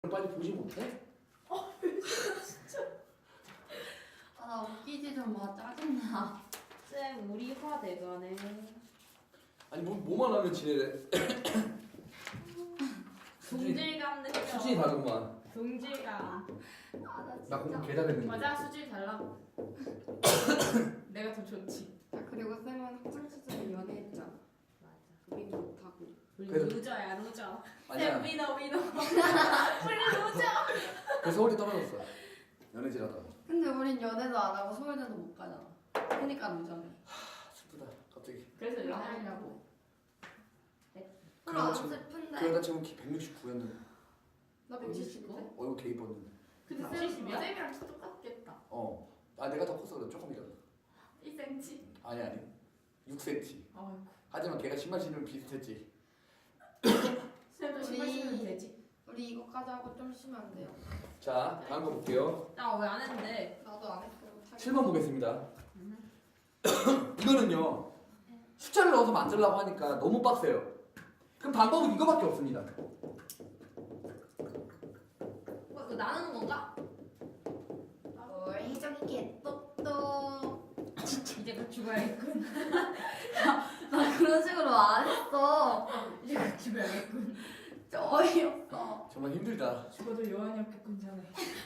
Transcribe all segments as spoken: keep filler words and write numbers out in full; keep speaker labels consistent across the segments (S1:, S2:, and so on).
S1: 빨리 보지 못해?
S2: 어, 진짜. 아, 나 웃기지 좀 마. 짜증나.
S3: 쌤 우리 화 내가네.
S1: 아니 뭐, 뭐만 하면 지내래.
S3: 동질감 느껴.
S1: 수준이 다르구만.
S3: 동질감.
S2: 아, 나
S1: 나 공부
S2: 진짜.
S1: 개 잘했는데.
S3: 맞아, 수질 달라고. 내가 더 좋지.
S2: 야, 그리고 쌤은 학창 시절에 연애했잖아.
S3: 맞아.
S2: 우린 못하고.
S3: 우리
S1: 그래도-
S3: 루저야, 루저.
S1: 아니야.
S3: 쌤 위너 위너. 우리 루저.
S1: 그래서 서울이 떨어졌어. 연애질하다가.
S2: 근데 우린 연애도 안 하고 서울대도 못 가잖아. 그러니까 누잖아.
S1: 아, 슬프다. 갑자기.
S3: 그래서 연애하려고.
S2: 그럼 안
S1: 지금-
S2: 슬픈데?
S1: 그러다 지금 키 백육십구였는데.
S2: 나 백칠십인데?
S1: 얼굴 개 이뻤는데.
S3: 근데 쌤
S2: 칠십이야?
S3: 쌤이랑 키 똑같겠다.
S1: 어. 아 내가 더 컸어. 그래 조금이라도.
S3: 일 센티미터.
S1: 아니 아니. 육 센티미터.
S3: 아이고.
S1: 하지만 걔가 신발 신으면 비슷했지.
S3: 쌤도 신발
S2: 우리-
S3: 신으면 되지.
S2: 우리 이거까지 하고 좀 쉬면 안 돼요?
S1: 자 다음 거 볼게요.
S3: 나 왜 안 했는데?
S2: 나도 안 했어. 못하겠어.
S1: 칠 번 보겠습니다. 이거는요. 숫자를 넣어서 만들려고 하니까 너무 빡세요. 그럼 방법은 이거밖에 없습니다.
S3: 어, 이거 나누는 건가?
S2: 뭘 혜정이 개똑똑.
S3: 이제 곧 죽어야겠군.
S2: 나 그런 식으로 안 했어.
S3: 이제 곧 죽어야겠군.
S2: 진짜 어이없어.
S1: 정말 힘들다.
S3: 죽어도 여한이 없겠군 자네.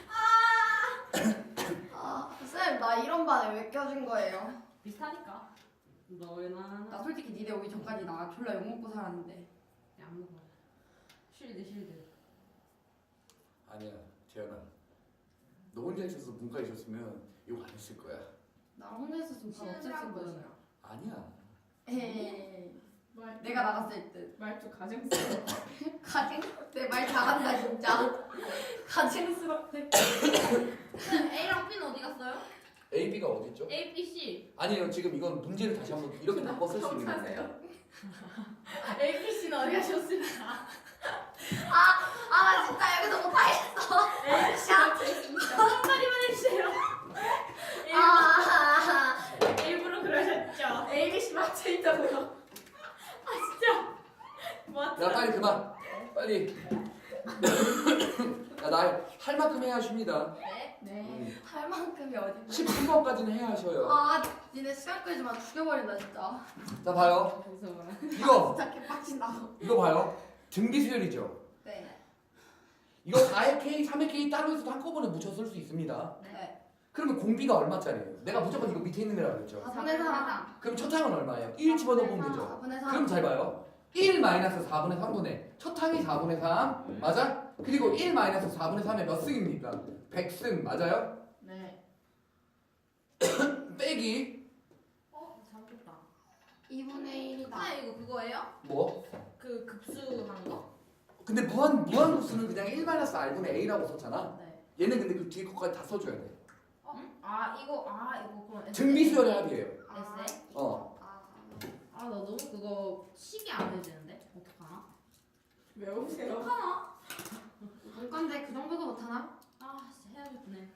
S2: 아, 쌤, 나 이런 반에 왜 껴준 거예요?
S3: 비슷하니까. 너나
S2: 나 솔직히 니네 오기 전까지 나 졸라 욕먹고 살았는데.
S3: 안 먹어. 쉴드 쉴드.
S1: 아니야 재현아. 너 혼자 있어서 문과 있었으면 욕 안 했을 거야.
S2: 나 혼자 있었으면 다 없앴을 거잖아.
S1: 아니야.
S2: 에이,
S3: 말
S2: 내가 나갔을 듯.
S3: 말투 가증스러워.
S2: 가증, 내 말 잘한다 진짜. 가증스럽대.
S3: A랑 B는 어디 갔어요?
S1: A, B가 어디 있죠?
S3: A, B, C.
S1: 아니에요. 지금 이건 문제를 다시 한번 이렇게 바꿔 쓸 수 있는 거예요.
S3: 사세요? A, B, C는 어디 가셨습니까?
S2: 아, 나 진짜 여기서 못하겠어.
S3: A, B, C는 어디 있습니다. 한마디만 해주세요.
S2: 아,
S3: 일부러 그러셨죠? A, B, C 맞춰 있다고요. 아 진짜. 맞죠?
S1: 야 빨리 그만. 빨리. 야, 나 할 만큼 해야 하십니다.
S2: 네?
S3: 네.
S1: 음.
S2: 할 만큼이 어딘데?
S1: 십삼 번까지는 해야 하셔요.
S2: 아, 니네 시간 끌지만 죽여버린다 진짜.
S1: 자 봐요.
S3: 무서워.
S1: 이거
S2: 진짜 개빡친다고.
S1: 이거 봐요. 등비수열이죠.
S2: 네.
S1: 이거 사의 K, 삼의 K 따로 해서 한꺼번에 묻혀 쓸 수 있습니다.
S2: 네.
S1: 그러면 공비가 얼마짜리예요? 내가 무조건 이거 밑에 있는 거라고 그랬죠.
S2: 사분의 사.
S1: 그럼 첫 항은 얼마예요? 일 집어넣어 보면 되죠.
S2: 사분의 사.
S1: 그럼 잘 봐요. 일 마이너스 사분의 삼분의 첫 항이 사분의 삼 맞아? 그리고 일 마이너스 사분의 삼의 몇 승입니까? 백 승 맞아요?
S3: 네.
S1: 빼기
S3: 어 잘못했다.
S2: 이분의 일이다.
S3: 아 이거 그거예요?
S1: 뭐?
S3: 그 급수한 거?
S1: 근데 무한 무한급수는 그냥 일 마이너스 r분의 a라고 썼잖아.
S3: 네.
S1: 얘는 근데 그 뒤에 것까지 다 써줘야 돼.
S3: 어? 아 이거 아 이거 그럼
S1: 등비수열의 합이에요.
S3: 에세이?
S1: 어.
S2: 아,
S3: 아 나 너무 그거 식이 안 해지는데 어떡하나?
S4: 외우세요.
S3: 어떡하나?
S2: 문과인데 그 정도도 못하나?
S3: 아 진짜 해야겠네.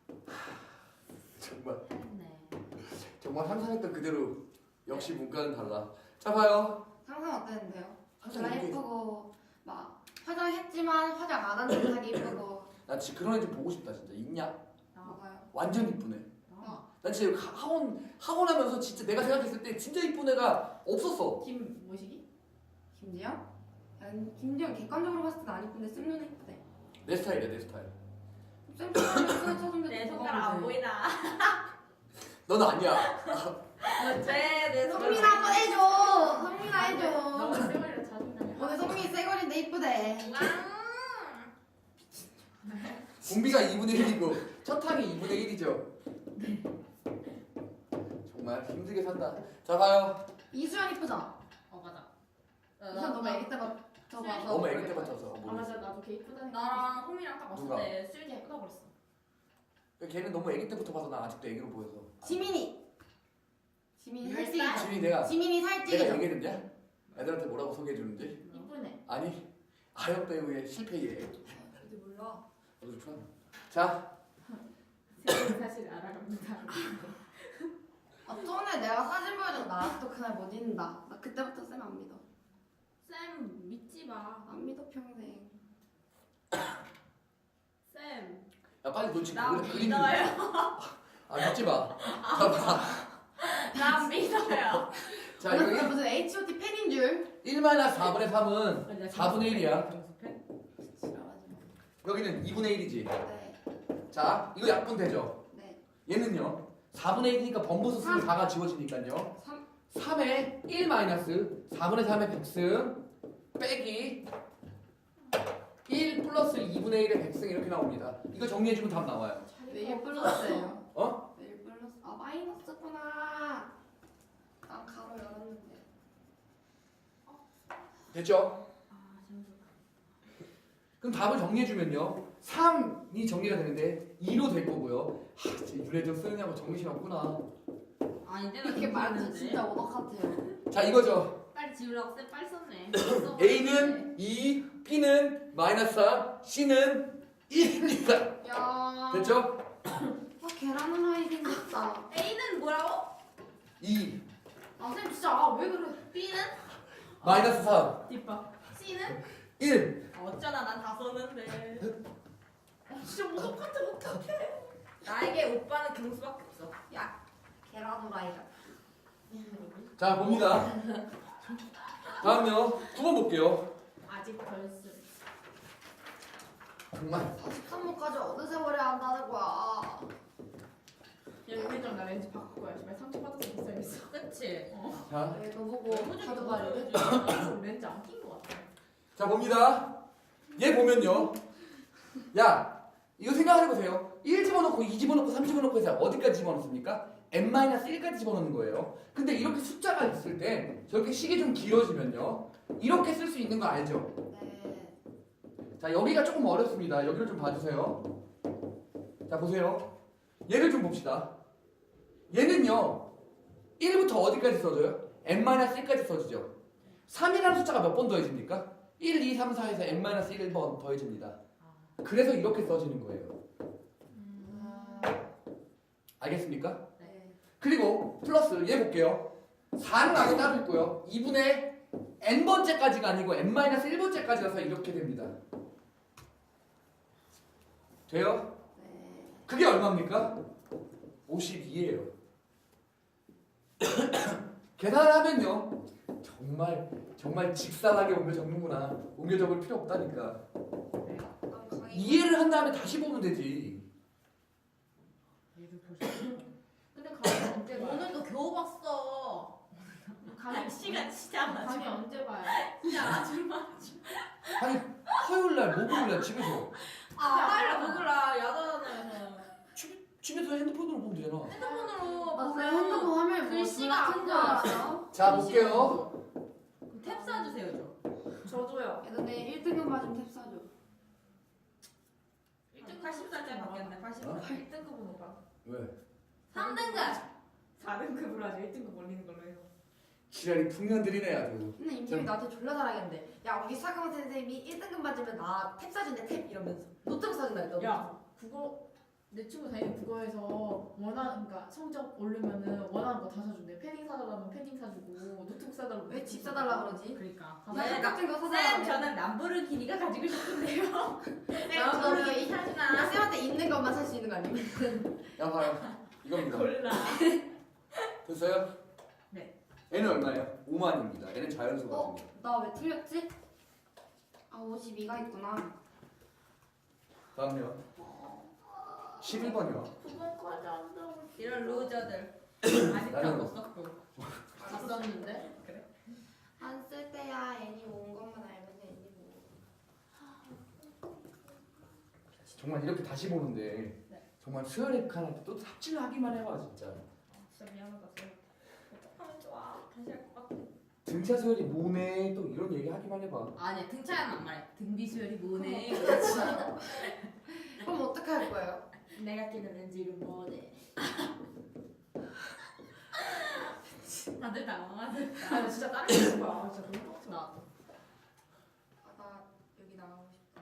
S1: 정말
S3: 해야겠네.
S1: 정말 상상했던 그대로 역시 문과는 달라. 자 봐요.
S2: 상상 어땠는데요?
S1: 항상
S2: 졸라
S1: 이렇게
S2: 예쁘고 막 화장했지만 화장 안 한 듯하게 예쁘고.
S1: 나 진짜 그런 애 좀 보고 싶다 진짜. 있냐?
S3: 나
S2: 뭐가요?
S1: 완전 이쁘네.
S3: 나.
S1: 난 진짜 하- 학원 학원 하면서 진짜 내가 생각했을 때 진짜 이쁜 애가 없었어.
S3: 김 뭐시기?
S2: 김지영? 야, 김지영 객관적으로 봤을 땐 안 이쁜데 쌤 눈에 이쁘대.
S1: 내 스타일이야 내 스타일.
S2: 쌤 손가락에 손에 쳐준데
S3: 내 손가락 안 보이나?
S1: 넌 아니야.
S3: 쟤내
S2: 성민 한번 해줘. 성민아
S3: 너가
S2: 해줘.
S3: 쌩얼이라 자존감이.
S2: 오늘 성민이 쌩얼인데 이쁘대.
S1: 공비가 이분의 일이고 첫 항이 이분의 일이죠. 정말 힘들게 산다. 자 봐요.
S2: 이수연 이쁘잖아.
S3: 어 맞아.
S2: 이수연 너무 애기 때부터 봐서.
S1: 너무 애기 때 맞춰서.
S3: 아 맞아 나도 걔 이쁘다니까.
S4: 나랑
S3: 나랑 호미랑 딱
S1: 누가?
S3: 왔을 때 수윤이 예쁘다고 그랬어.
S1: 걔는 너무 애기 때부터 봐서 나 아직도 애기로 보여서.
S2: 지민이. 지민이
S3: 몇
S2: 살찌기.
S3: 살?
S1: 지민이 내가
S2: 지민이
S1: 내가
S2: 살찌기죠.
S1: 얘기해줬냐? 애들한테 뭐라고 소개해주는지?
S3: 이쁘네.
S1: 아니 아역 배우의 실패예.
S2: 어디 몰라.
S1: 너도 좋아. 자
S3: 쌤 사실 알아갑니다.
S2: 아, 전에 내가 사진 보여줘서 나 아직도 그날 못 잊는다. 나 그때부터 쌤 안 믿어.
S3: 쌤 믿지 마.
S2: 안 믿어 평생.
S1: 야 빨리 너 지금
S3: 나
S1: 그래, 그림
S3: 믿어요.
S1: 아 믿지 마. 봐봐.
S3: 나 믿어요.
S1: 자
S2: 오늘
S1: 여기
S2: 무슨 에이치 오 티 펜인 줄.
S1: 일 마이너스 사분의 삼은 사분의 일이야.
S2: 싫어하지 마.
S1: 여기는 이분의 일이지.
S2: 네.
S1: 자 이거 약분되죠.
S2: 네.
S1: 얘는요 사분의 일이니까 번부수 쓰면
S2: 삼.
S1: 사가 지워지니까요.
S2: 삼.
S1: 삼에 일 마이너스 사분의 삼의 백승 빼기 일 플러스 이분의 일의 백승 이렇게 나옵니다. 이거 정리해주면 답 나와요.
S2: 왜 일 플러스예요?
S1: 어?
S2: 왜 일 플러스? 아 마이너스구나. 난 가로 열었는데.
S1: 됐죠?
S3: 아 재밌어.
S1: 그럼 답을 정리해주면요 삼이 정리가 되는데 이로 될 거고요. 하, 진짜 유래적 쓰느냐고 정신이 없구나.
S3: 아니 내가
S2: 이렇게 말도
S3: 믿었는데.
S2: 진짜 오덕 같아요.
S1: 자 이거죠.
S3: 빨리 지우라고 쌤 빨리 썼네.
S1: A는 이, B는 마이너스 삼, C는 일입니다.
S2: 야.
S1: 됐죠?
S2: 아 계란 후라이 생겼다.
S3: A는 뭐라고?
S1: 이,
S2: 아쌤 진짜 아, 왜 그래?
S3: B는?
S1: 마이너스 삼,
S3: 뒷밥. C는?
S1: 일.
S3: 어쩌나 난 다 썼는데. 아, 진짜 무섭 같아 어떡해. 나에게 오빠는 경수밖에 없어.
S2: 야 계란 후라이가.
S1: 자 봅니다. 다음요 구 번 볼게요.
S3: 아직 덜 쓰.
S1: 정말
S2: 사십삼 번까지 어느 세월에 한다는 거야.
S4: 야 우리랑 나 렌즈 바꿀 거야. 정말 상처 받아서 못 살겠어.
S3: 그치?
S1: 자,
S2: 왜 너 보고
S3: 너무
S2: 가도
S3: 좀
S2: 말이래?
S3: 보여줘.
S4: 렌즈 안 낀 거 같아.
S1: 자 봅니다. 얘 보면요. 야 이거 생각해보세요. 일 집어넣고 이 집어넣고 삼 집어넣고 해서 어디까지 집어넣습니까? 엔 마이너스 일까지 집어넣는 거예요. 근데 이렇게 숫자가 있을 때 저렇게 식이 좀 길어지면요 이렇게 쓸 수 있는 거 알죠?
S2: 네.
S1: 자 여기가 조금 어렵습니다. 여기를 좀 봐주세요. 자 보세요. 얘를 좀 봅시다. 얘는요 일부터 어디까지 써져요? 엔 마이너스 일까지 써지죠. 삼이라는 숫자가 몇 번 더해집니까? 일, 이, 삼, 사에서 엔 마이너스 일 번 더해집니다. 그래서 이렇게 써지는 거예요. 알겠습니까?
S2: 네.
S1: 그리고 플러스 얘 볼게요. 사는 안에 따로 있고요. 이분의 n번째까지가 아니고 엔 마이너스 일 번째까지라서 이렇게 됩니다. 돼요?
S2: 네.
S1: 그게 얼마입니까? 오십이예요. 계산을 하면요. 정말 정말 직사하게 옮겨 적는구나. 옮겨 적을 필요 없다니까.
S2: 난 강의.
S1: 이해를 한 다음에 다시 보면 되지.
S3: 얘를 보셨어?
S4: 근데 강의 언제 봐요?
S3: 오늘도 겨우 봤어.
S4: 강의
S3: 시간 진짜 많아.
S4: 강의 언제 봐요?
S3: 진짜 아줌마.
S1: 아니 화요일날 목요일날 집에서
S3: 아 빨리 먹으라 야단에서.
S1: 집, 집에서 핸드폰으로 보면 되잖아.
S3: 핸드폰으로
S2: 아,
S3: 보면
S2: 쌤 핸드폰 화면이 뭐
S3: 글씨가
S2: 큰줄
S3: 안
S2: 알아요?
S1: 자 볼게요.
S3: 탭 쏴주세요 저.
S4: 저도요.
S2: 야, 근데 일 등급 맞으면 탭 사줘.
S3: 일 등 팔십 살짜리 바뀌었네 팔십
S1: 어?
S3: 살.
S4: 일 등급은 오빠.
S1: 왜?
S3: 삼 등급.
S4: 사 등급으로 하죠. 일 등급 올리는 걸로 해요.
S1: 지랄이 풍년들이네 아주.
S2: 근데 임팀이 나한테 졸라 잘하겠는데. 야 우리 사강 선생님이 일 등급 맞으면 나 탭 사준대 탭 이러면서. 노트북 사준다 했다.
S4: 야 국어 내 친구 다니는 국어에서 원하는 그러니까 성적 오르면은 원하는 거 다 사준대. 패딩 사달라면 패딩 사주고 노트북 사달라면
S2: 왜 집 사달라 그러지?
S3: 그러니까.
S2: 나 책 같은 거
S3: 쌤
S2: 사달라.
S3: 저는 람보르기니가 가지고 싶은데요. 쌤
S2: 람보르기니.
S3: 저는
S2: 나
S3: 사주나.
S2: 쌤한테 있는 것만 살 수 있는 거 아니면?
S1: 야 봐요. 이겁니다.
S3: 골라.
S1: 됐어요?
S3: 네.
S1: 얘는 얼마예요? 오만입니다. 얘는 자연수거든요.
S2: 나 왜 틀렸지? 아 오십이가 있구나.
S1: 다음요. 십일 번이요.
S4: 국어까지 한다고.
S3: 이런 루저들. 아직도
S1: 나는-
S3: 못 썼고.
S4: 다 썼는데.
S3: 그래.
S2: 안 쓸 때야 애니 모은 것만 알면 애니 모.
S1: 정말 이렇게 다시 보는데
S3: 네.
S1: 정말 수혈의 칸할 때또 삽질하기만 해봐 진짜.
S3: 진짜 미안하다 쌤. 어떡하면 좋아. 다시 할 것 같아.
S1: 등차 수혈이 뭐네 또 이런 얘기 하기만 해봐.
S3: 아니야 등차는 안 말해. 등비 수열이 뭐네.
S2: 그럼 어떻게 할 거예요?
S3: 내가 끼는 렌즈 이름 뭐네. 다들 당황하셨다.
S4: 아 진짜 다른 거 해봐. 아, 진짜 너무 빡쳐.
S3: 나도.
S2: 아 나 여기 나가고 싶다.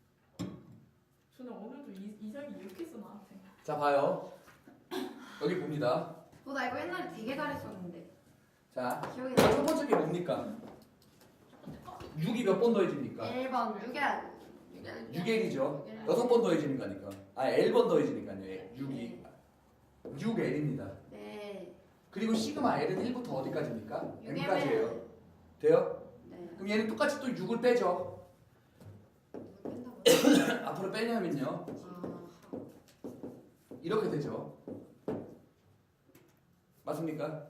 S4: 저는 오늘도 이, 이상이 이렇게 써 나한테.
S1: 자 봐요. 여기 봅니다.
S2: 어, 나 이거 옛날에 되게 잘했었는데
S1: 자
S2: 기억이
S1: 첫
S2: 나.
S1: 번째 게 뭡니까? 육이 몇 번 더해집니까?
S2: 일 번 유견. 유견.
S1: 유견이죠.
S2: 유견.
S1: 여섯 번 더해지는 거니까. 아, L번 더해지니까요. 육이. 육 L입니다.
S2: 네.
S1: 그리고 시그마 L은 일부터 어디까지입니까?
S2: 육
S1: M까지예요.
S2: 엠 엘.
S1: 돼요?
S2: 네.
S1: 그럼 얘는 똑같이 또 육을 빼죠.
S2: 이걸 뺀다고요?
S1: 앞으로 빼냐면요.
S2: 아.
S1: 이렇게 되죠. 맞습니까?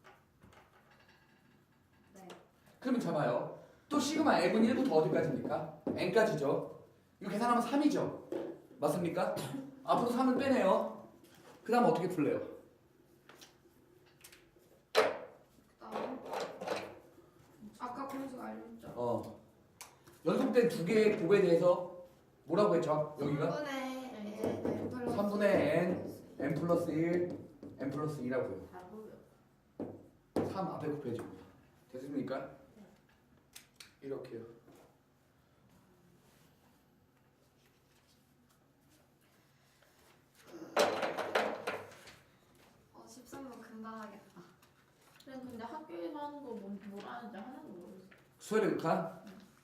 S2: 네.
S1: 그러면 잡아요. 또 시그마 M은 일부터 어디까지입니까? N까지죠. 이거 계산하면 삼이죠. 맞습니까? 앞으로 삼은 빼내요. 그 다음 어떻게 풀래요?
S2: 그다음 아까 공식 알려줬죠.
S1: 어. 연속된 두 개의 곱에 대해서 뭐라고 했죠? 여기가?
S2: 삼분의 N 플러스
S1: 삼분의 N, N 플러스 일, N 플러스 이라고요.
S4: 다르고요.
S1: 삼 앞에 곱해지고. 됐습니까? 이렇게요.
S2: 어 십삼 번 금방 하겠다.
S4: 그래 근데 학교에서 하는 거 뭐, 뭘 하는지 하나도 모르겠어.
S1: 수열의 극한?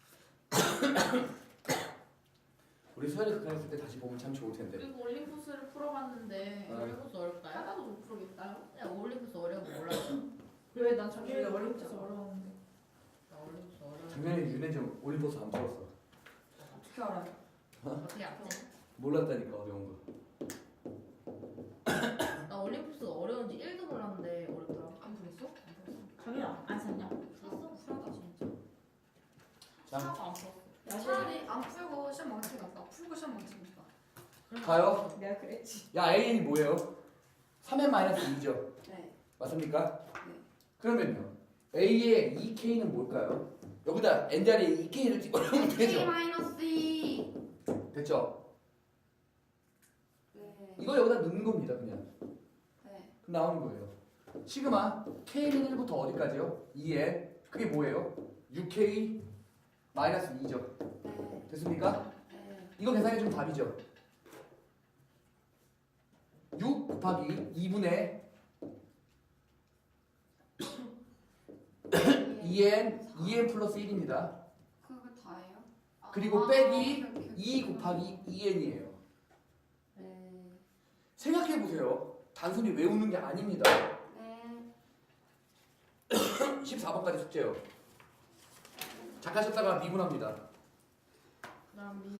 S1: 우리 수열의 극한 했을 때 다시 보면 참 좋을 텐데.
S4: 그리고 올림푸스를 풀어봤는데
S1: 어.
S3: 올림푸스 어렵다요?
S4: 하나도 못 풀겠다요?
S3: 야 올림푸스 어려운 거 몰랐어.
S4: 왜난 작년에
S2: 작년에
S4: 올림푸스 어려웠는데.
S3: 나 올림푸스 어려운 거
S1: 작년에 윤혜정 올림포스 안 풀었어.
S2: 어떻게 알아요?
S3: 어떻게 알지?
S1: 몰랐다니까 어려운 거.
S3: 나 올림푸스가 어려운지 일도 몰랐는데 어렵더라고.
S2: 안 풀었어?
S3: 안 풀었어.
S4: 강연아 안 샀냐?
S3: 풀었어? 풀었다 진짜.
S1: 자,
S3: 하나도 안 풀었어.
S2: 차라리 안 풀고 시험 망치기 낫다. 풀고 시험 망치기 낫다.
S1: 가요.
S4: 내가 그랬지.
S1: 야, A이 뭐예요? 삼 엔 마이너스 이죠.
S2: 네.
S1: 맞습니까?
S2: 네.
S1: 그러면요. A의 이 케이는 뭘까요? 여기다 N 자리에 이 케이를 집어넣으면
S2: K
S1: 되죠.
S2: 마이너스 이.
S1: 됐죠?
S2: 네.
S1: 이거 여기다 넣는 겁니다, 그냥.
S2: 네.
S1: 그럼 나오는 거예요. 시그마 K는 일부터 어디까지요? 이 엔. 그게 뭐예요? 육 케이 마이너스 이죠.
S2: 네.
S1: 됐습니까?
S2: 네.
S1: 이거 계산해주면 답이죠. 육 곱하기 이분의 이 엔, 이 엔 플러스 일입니다.
S2: 그거 다예요?
S1: 그리고
S2: 아,
S1: 빼기
S2: 오케이, 오케이.
S1: 이 곱하기 이 엔이에요.
S2: 네.
S1: 생각해보세요. 단순히 외우는 게 아닙니다.
S2: 네.
S1: 십사 번까지 숙제요. 작하셨다가 미분합니다.
S3: 그다음 미